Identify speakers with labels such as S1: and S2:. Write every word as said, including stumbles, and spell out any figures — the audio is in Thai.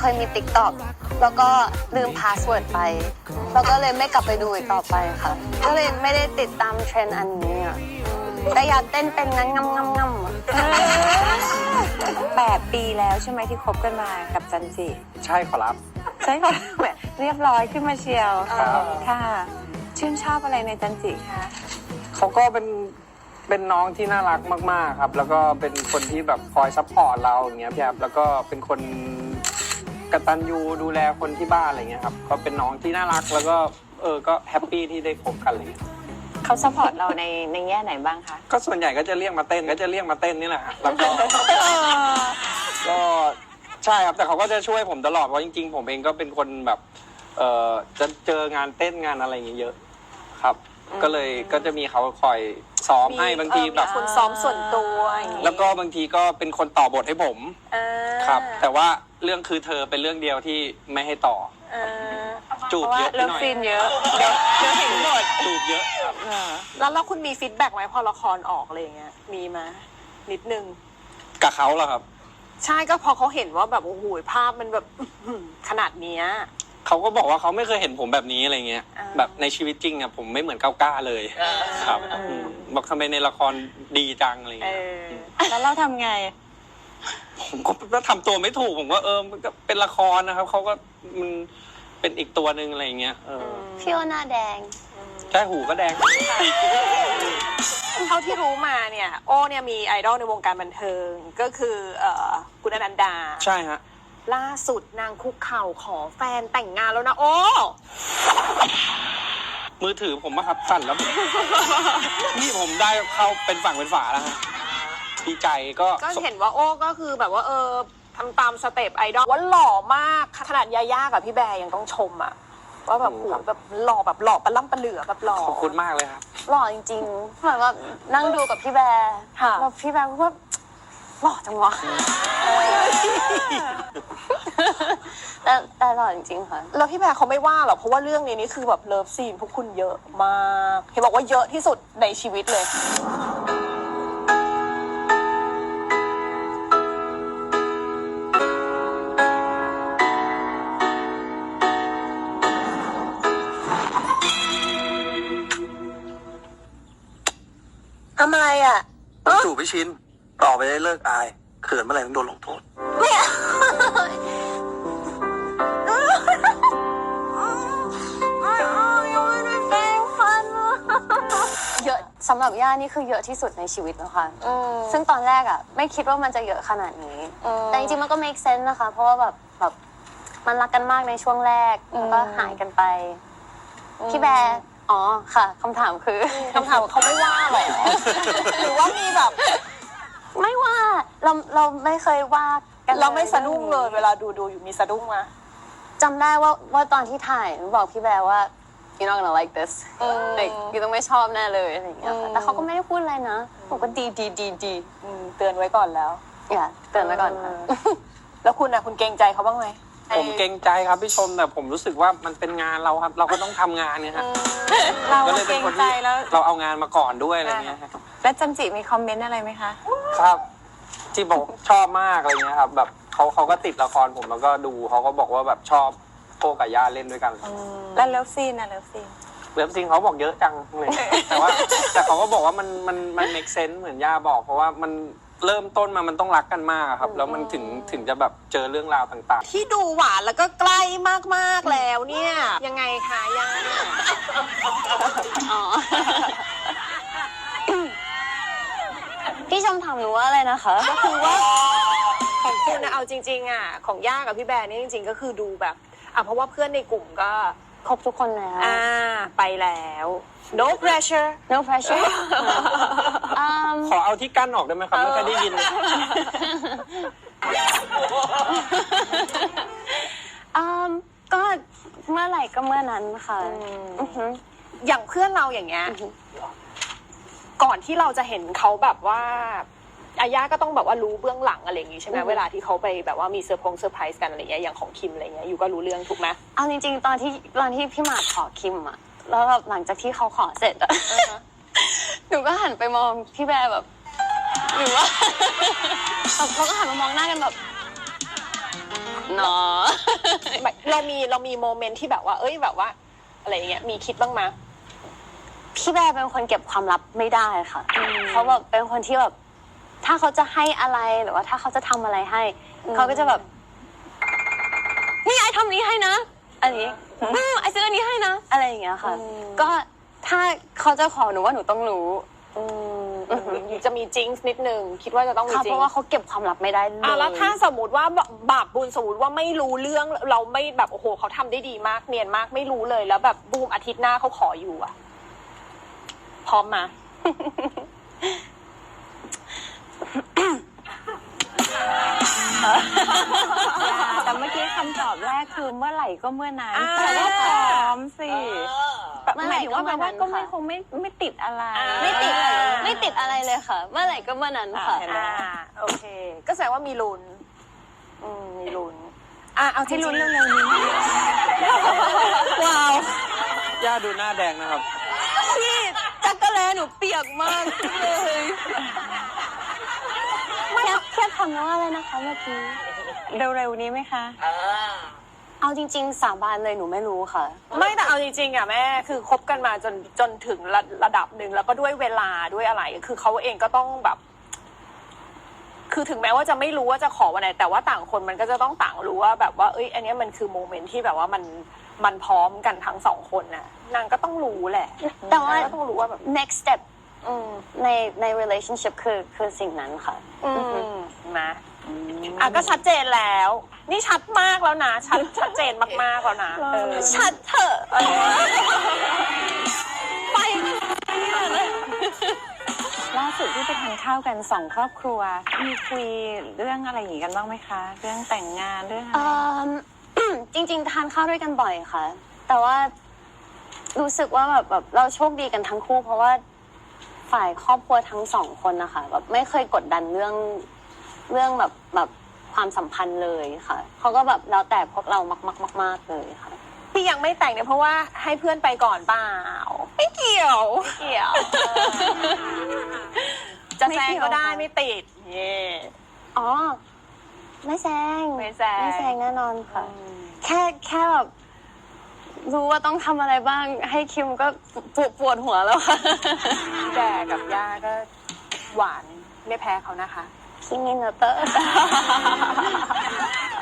S1: เคยมี ติ๊กต็อก แล้วก็ลืมพาสเวิร์ดไปแล้วก็เลยไม่กลับไปดูอีกต่อไปค่ะ ก็เลยไม่ได้ติดตามเทรนด์อันนี้อ่ะแต่อยากเต้นเป็นงั้นงำงำงำอ่ะ
S2: แปดปีแล้วใช่ไหมที่คบกันมากับจันจิ
S3: ใช่ขอรับ
S2: ใช่ค่ะเรียบร้อยขึ้นมาเชียวค่ะชื่นชอบอะไรในจันจิคะ
S3: เขาก็เป็นเป็นน้องที่น่ารักมากๆครับแล้วก็เป็นคนที่แบบคอยซัพพอร์ตเราอย่างเงี้ยพี่ครับแล้วก็เป็นคนกตัญญูดูแลคนที่บ้านอะไรเงี้ยครับก็เป็นน้องที่น่ารักแล้วก็เออก็แฮปปี้ที่ได้คบกันอะไรเงี้ย
S2: เขาซัพพอร์ตเราในในแง่ไหนบ้างคะ
S3: ก็ส่วนใหญ่ก็จะเรียกมาเต้นก็จะเรียกมาเต้นนี่แหละแล้วก็ก็ใช่ครับแต่เขาก็จะช่วยผมตลอดเพราะจริงๆผมเองก็เป็นคนแบบเอ่อจะเจองานเต้นงานอะไรอย่างเงี้ยเยอะครับก็เลยก็จะมีเขาคอยซ้อมให้บางทีแบบ
S2: คนซ้อมส่วนตัวอย่างนี้
S3: แล้วก็บางทีก็เป็นคนต่อบทให้ผมครับแต่ว่าเรื่องคือเธอเป็นเรื่องเดียวที่ไม่ให้ต่อจูบเยอะไปหน่อย
S2: เลิฟซีนเยอะเดี๋ยวเดี๋ยวเห็นหมด
S3: จูบเยอะครับ
S2: แล้วแล้วคุณมีฟีดแบ็กไหมพอละครออกอะไรอย่างเงี้ยมีมานิดนึง
S3: กับเขาเหรอครับ
S2: ใช่ก็พอเขาเห็นว่าแบบโอ้โหภาพมันแบบขนาดนี้
S3: เขาก็บอกว่าเขาไม่เคยเห็นผมแบบนี้อะไรเงี้ยแบบในชีวิตจริงอะผมไม่เหมือนก้าวก้าเลยครับบอกทำไมในละครดีจังอะไรเงี้ย
S2: แล้วเราทำไง
S3: ผมก็ทำตัวไม่ถูกผมว่าเออมันก็เป็นละครนะครับเขาก็มันเป็นอีกตัวหนึ่งอะไรเงี้ย
S1: พี่โอหน้าแดง
S3: ใช่หูก็แดง
S2: เท่าที่รู้มาเนี่ยโอ้เนี่ยมีไอดอลในวงการบันเทิงก็คือคุณอนันดา
S3: ใช่ฮะ
S2: ล่าสุดนางคุกเข่าขอแฟนแต่งงานแล้วนะโอ้
S3: มือถือผมอะครับสั่นแล้วนี่ผมได้เข้าเป็นฝั่งเป็นฝาแล้วฮะดีใจก็
S2: ก็เห็นว่าโอ้ก็คือแบบว่าเออทำตามสเต็ปไอดอลว่าหล่อมากขนาดยาย่ากับพี่แบร์ยังต้องชมอะว่าแบบโหแบบหล่อแบบหล่อปลาล่ำปลาเหลือแบบหล่อ
S3: ขอบคุณมากเลยครับ
S1: หล่อจริงๆเหมือนว่านั่งดูกับพี่แบร์แล้วพี่แบร์ก็หล่อจังวะแต่แต่หล่อจริงๆค่ะ
S2: แล้วพี่แบร์เขาไม่ว่าหรอกเพราะว่าเรื่องนี้นี่คือแบบเลิฟซีนพวกคุณเยอะมากเห็นบอกว่าเยอะที่สุดในชีวิตเลยทำอะไรอ่ะ
S4: จู่พี่ชินต่อไปได้เลิกอายเขินเมื่อไหร่ต้องโดนลงโทษ
S1: ไม่เยอะสำหรับย่านี่คือเยอะที่สุดในชีวิตแล้วค่ะซึ่งตอนแรกอ่ะไม่คิดว่ามันจะเยอะขนาดนี้แต่จริงๆมันก็ make sense นะคะเพราะว่าแบบแบบมันรักกันมากในช่วงแรกแล้วก็หายกันไปพี่แบร์อ๋อค่ะคำถามคือ
S2: คำถามเขาไม่ว่าหรอหรือว่ามีแบบ
S1: ไม่ว่าเราเราไม่เคยว่า
S2: กันเราไม่สะดุ้งเลยเวลาดูดูอยู่มีสะดุ้งมา
S1: จำได้ว่าว่าตอนที่ถ่ายบอกพี่แบร์ว่า you're not gonna like this ยูต้องไม่ชอบแน่เลยอะไรอย่างเงี้ยแต่เขาก็ไม่ได้พูดอะไรนะผมก็ดีดีดีดี
S2: เตือนไว้ก่อนแล้ว
S1: อย่าเตือนไว้ก่อนค่ะ
S2: แล้วคุณนะคุณเกรงใจเขาบ้างไหม
S3: ผมเกรงใจครับพี่ชมแต่ผมรู้สึกว่ามันเป็นงานเราครับเราก็ต้องทำงานเนี่ยครับ
S2: เราเกรงใจแล้ว
S3: เราเอางานมาก่อนด้วยอะไรเงี้ย
S2: แล้วจันจิมีคอมเมนต์อะไรไหมคะ
S3: ครับที่บอกชอบมากอะไรเงี้ยครับแบบเขาเขาก็ติดละครผมแล้วก็ดูเขาก็บอกว่าแบบชอบโป้กับย่าเล่นด้วยกัน
S2: แล้วเลิฟซีนนะเลิฟซีน
S3: เลิฟซีนเขาบอกเยอะจังเลยแต่ว่าแต่เขาก็บอกว่ามันมันมัน make sense เหมือนย่าบอกเพราะว่ามันเริ่มต้นมามันต้องรักกันมากครับแล้วมันถึงถึงจะแบบเจอเรื่องราวต่าง
S2: ๆที่ดูหวานแล้วก็ใกล้มากๆแล้วเนี่ยยังไงคะย่าอ๋อ
S1: พี่ชมถามหนูว่าอะไรนะคะ
S2: ก็คือว่าของคุณนะเอาจริงๆอ่ะของย่ากับพี่แบร์นี่จริงๆก็คือดูแบบอ่ะเพราะว่าเพื่อนในกลุ่มก็
S1: ครบทุกคนแล้ว
S2: อ่าไปแล้ว no pressure
S1: no pressure
S3: ขอเอาที่กั้นออกได้ไหมครับไม่เคยได้ยิน
S1: ก็เมื่อไหร่ก็เมื่อนั้นค่ะ
S2: อย่างเพื่อนเราอย่างเงี้ยก่อนที่เราจะเห็นเขาแบบว่าอาย่าก็ต้องแบบว่ารู้เบื้องหลังอะไรอย่างงี้ใช่ไหมเวลาที่เขาไปแบบว่ามีเซอร์พงเซอร์ไพรส์กันอะไรเงี้ยอย่างของคิมอะไรเงี้ยอยู่ก็รู้เรื่องถูกไหม
S1: เอาจริงๆตอนที่ตอนที่พี่หมากขอคิมอะแล้วแบบหลังจากที่เขาขอเสร็จอะหนูก็หันไปมองพี่แบร์แบบหรือว่าเขาก็หันมามองหน้ากันแบบเนาะ
S2: แบบเรามีเรามีโมเมนต์ที่แบบว่า เอ้ยแบบว่า อะไรอย่างเงี้ยมีคิดบ้างไหม
S1: พี่แบร์เป็นคนเก็บความลับไม่ได้ค่ะเขาแบบเป็นคนที่แบบ ถ้าเขาจะให้อะไรหรือว่าถ้าเขาจะทำอะไรให้ เขาก็จะแบบนี่ไอทำนี้ให้นะอันนี้อืมไอซื้ออันนี้ให้นะอะไรอย่างเงี้ยค่ะ ก็ถ้าเขาจะขอหนูว่าหนูต้องรู้
S2: จะมีจิงส์นิดนึงคิดว่าจะต้องมี
S1: ค่ะ
S2: จิ
S1: เพ
S2: ง
S1: ราะ
S2: ส์
S1: ว่าเขาเก็บความลับไม่ได้เลย
S2: อ่ะแล้วถ้าสมมติว่าบาปบุญสมมติว่าไม่รู้เรื่องเราไม่แบบโอ้โหเขาทำได้ดีมากเนียนมากไม่รู้เลยแล้วแบบบูมอาทิตย์หน้าเขาขออยู่อ่ะพร้อมมา
S5: แต่เมื่อกี้คำตอบแรกคือเมื่อไหร่ก็เมื่อนั้น
S2: อ่า
S5: แต่ว่าพร้อมสิ
S1: เมื่อ
S5: ห
S1: ไหร่
S5: มายถึง
S1: ก็
S5: ว่าแปล
S1: เมื่อ
S5: ว่า
S1: นั้น
S5: ก็ไม่
S1: ค่ะ
S5: คงไม่ไม่ติดอะไร
S2: อ่า
S1: ไม่ติดไม่ติดอะไรเลยค่ะ เมื่อไหร่ก็เมื่อนั้นค่ะ
S5: อ่าเห็นไหม
S2: อ่าโอเค ก็แสดงว่ามีลุ้นอืมมีลุ้นอ่ะเอาที่
S5: ให้
S2: ลุ้
S5: ลุ้
S2: น
S5: น
S2: เร็ว
S5: เร็วๆนี้
S1: ว้าว
S3: ย่าดูหน้าแดงนะครับ
S1: พี่จักรแลหนูเปียกมากเลยแค่แค่ทำว่าอะไรนะคะเมื่อกี้
S5: เร็วๆนี้ไหมคะ
S1: เอาจริง ๆ สาบานเลยหนูไม่รู้ค่ะ
S2: ไม่แต่เอาจริงๆอ่ะแม่คือคบกันมาจนจนถึงระระดับหนึ่งแล้วก็ด้วยเวลาด้วยอะไร คือเขาเองก็ต้องแบบ คือถึงแม้ว่าจะไม่รู้ว่าจะขอวันไหนแต่ว่าต่างคนมันก็จะต้องต่างรู้ว่าแบบว่าเอ้ยอันเนี้ยมันคือโมเมนต์ที่แบบว่ามันมันพร้อมกันทั้งสองคนน่ะนางก็ต้องรู้แหละ
S1: แต่ว่า
S2: นางก็ต้องรู้ว่าแบบ
S1: next step
S2: อืม
S1: ในใน relationship คือคือสิ่งนั้นค่ะ
S2: อืมนะอ่ะก็ชัดเจนแล้ว นี่ชัดมากแล้วนะ ชัดชัดเจนมากๆแล้วนะเออ
S1: ชัดเถอะไปเนี่ยเลย
S5: ล่าสุดที่ไปทานข้าวกันสองครอบครัว มีคุยเรื่องอะไรอย่างนี้กันบ้างไหมคะ เรื่องแต่งงานเรื่องอะไร
S1: เอิ่ม จริง ๆ ทานข้าวด้วยกันบ่อยค่ะ แต่ว่ารู้สึกว่าแบบแบบเราโชคดีกันทั้งคู่ เพราะว่าฝ่ายครอบครัวทั้งสองคนนะคะแบบไม่เคยกดดันเรื่องเรื่องแบบแบบความสัมพันธ์เลยค่ะเขาก็แบบแล้วแต่พวกเรามากๆๆๆเลยค่ะ
S2: ที่ยังไม่แต่งเนี่ยเพราะว่าให้เพื่อนไปก่อนเปล่า
S1: ไม่เกี่ยว
S2: ไม่เกี่ยว จะแซงก็ได้ไม่ติดเย่
S1: อ๋อไม่แซง
S2: ไม่แซง
S1: ไม่แซงแน่นอนค่ะ แค่แค่แบบรู้ว่าต้องทำอะไรบ้าง ให้คิมก็ปวดปวดหัวแล้วค่ะ
S2: แกกับย่าก็หวานไม่แพ้เขานะคะ
S1: คิมินเตอร์